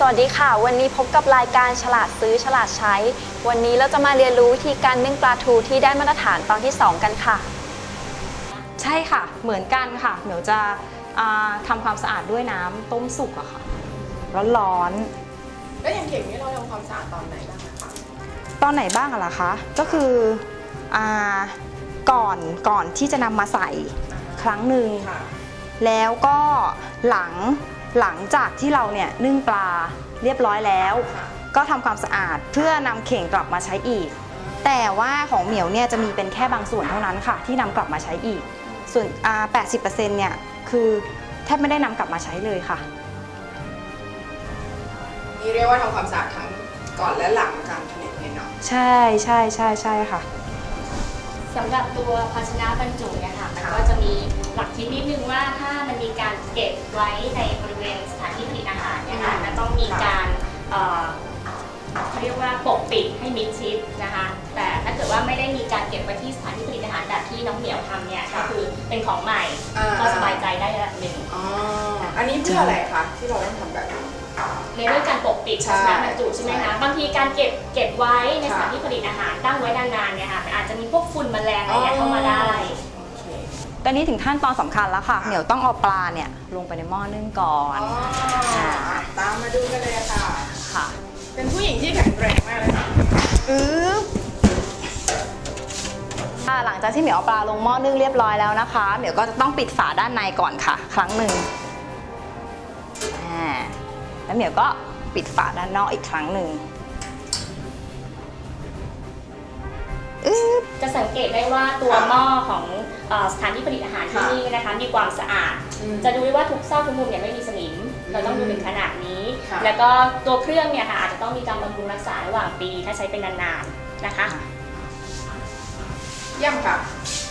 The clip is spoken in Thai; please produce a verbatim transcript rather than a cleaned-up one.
วัสดีค่ะวันนี้พบกับรายการฉลาดซื้อฉลาดใช้วันนี้เราจะมาเรียนรู้วิธีการนึ่งปลาทูที่ได้มาตรฐานตอนที่สองกันค่ะใช่ค่ะเหมือนกันค่ะเดี๋ยวจะทำความสะอาดด้วยน้ำต้มสุกอะค่ะร้อนๆแล้วอย่างเข่งนี้เราทำความสะอาดตอนไหนบ้างคะตอนไหนบ้างอะล่ะคะก็คืออก่อนก่อนที่จะนำมาใส่ครั้งหนึ่งแล้วก็หลังหลังจากที่เราเนี่ยนึ่งปลาเรียบร้อยแล้วก็ทำความสะอาดเพื่อนำเข่งกลับมาใช้อีกแต่ว่าของเหมียวเนี่ยจะมีเป็นแค่บางส่วนเท่านั้นค่ะที่นำกลับมาใช้อีกส่วน แปดสิบเปอร์เซ็นต์ เนี่ยคือแทบไม่ได้นำกลับมาใช้เลยค่ะนี่เรียกว่าทำความสะอาดทั้งก่อนและหลังการผลิตเลยเนาะใช่ใช่ใช่ใช่ค่ะสำหรับตัวภาชนะบรรจุเนี่ยค่ะมันก็จะมีหลักคิดนิดนึงว่าถ้ามันมีการเก็บไว้ในบริเวณสถานที่ผลิตอาหารเนี่ยค่ะมันต้องมีการเขาเรียกว่าปกปิดให้มิดชิดนะคะแต่ถ้าเกิดว่าไม่ได้มีการเก็บไว้ที่สถานที่ผลิตอาหารแบบที่น้องเหมียวทำเนี่ยก็คือเป็นของใหม่ก็สบายใจได้ระดับหนึ่งอ๋ออันนี้เพื่ออะไรคะที่เราต้องทำแบบนี้ในเรื่องการปกปิดภาชนะบรรจุใช่ไหมคะบางทีการเก็บเก็บไว้ในสถานที่ผลิตอาหารตั้งไว้นานๆเนี่ยค่ะอาจจะมีพวกฝุ่นแมลงอะไรเข้ามาได้ตอนนี้ถึงขั้นตอนสำคัญแล้วค่ะเหนียวต้องเอาปลาเนี่ยลงไปในหม้อนึ่งก่อนตามมาดูกันเลยค่ะค่ะเป็นผู้หญิงที่แข็งแรงมากเลยค่ะอือหลังจากที่เหมียวเอาปลาลงหม้อนึ่งเรียบร้อยแล้วนะคะเหมียวก็จะต้องปิดฝาด้านในก่อนค่ะครั้งหนึ่งแล้วเหมียวก็ปิดฝาด้านนอกอีกครั้งหนึ่งจะสังเกตได้ว่าตัวหม้อของสถานที่ผลิตอาหารที่นี่นะคะมีความสะอาดจะดูได้ว่าทุกซอกทุกมุมเนี่ยไม่มีสนิมเราต้องดูถึงขนาดนี้แล้วก็ตัวเครื่องเนี่ยค่ะอาจจะต้องมีการบำรุงรักษาระหว่างปีถ้าใช้เป็นนานๆนะคะเยี่ยมค่ะ